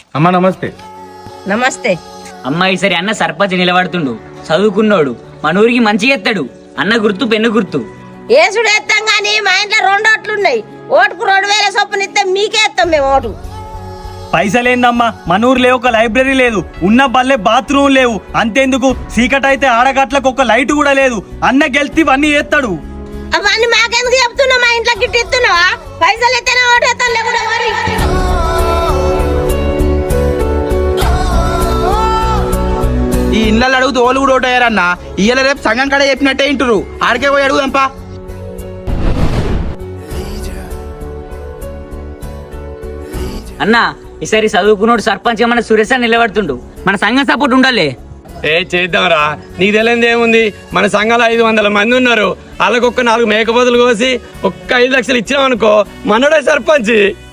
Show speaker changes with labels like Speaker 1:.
Speaker 1: అమ్మా నమస్తే.
Speaker 2: నమస్తే.
Speaker 3: అమ్మ ఈసారి అన్న సర్పంచ్ నిలబడుతుండు, చదువుకున్నాడు, మన ఊరికి మంచిగా ఎత్తాడు. అన్న గుర్తు పెన్ను గుర్తు.
Speaker 2: ఏసుడు ఎత్తాం గాని మా ఇంట్లో 2 ఓట్లున్నాయి. ఓటుకు 2000 చొప్పున ఇస్తే మీకే ఎత్తాం మేము ఓటు.
Speaker 4: పైసలేందమ్మా, మన ఊర్లో ఒక లైబ్రరీ లేదు, ఉన్న బల్లే బాత్రూమ్ లేవు. అంతేందుకు సీకటైతే ఆడగట్లకు ఒక లైట్ కూడా లేదు. అన్న గెలిచి ఇవన్నీ చేస్తాడు.
Speaker 2: అవన్నీ మాకెందుకు చెప్తున్నావు? మా ఇంట్లో గిట్టి ఇస్తున్నావా? పైసలు ఎత్తేనే ఓటు ఎత్తాను లేకుండా మరి.
Speaker 5: ఈ ఇళ్ళల్లో అడుగుతూ ఓళ్ళు కూడా ఓటయ్యారన్న. ఇయ్యాల రేపు సంఘం కాడ చెప్పినట్టే ఇంటారు. ఆడికే పోయి అడుగుదాంపా.
Speaker 3: అన్న ఈసారి చదువుకున్నాడు సర్పంచ్ మన సురేష్ అని నిలబడుతుండు. మన సంఘం సపోర్ట్ ఉండాలి.
Speaker 6: చేద్దాంరా, నీకు తెలియదు ఏముంది, మన సంఘాలు 500 మంది ఉన్నారు. వాళ్ళకొక్క 4 మేకపోతులు కోసి ఒక్క 5 లక్షలు ఇచ్చినామనుకో, మనోడే సర్పంచ్.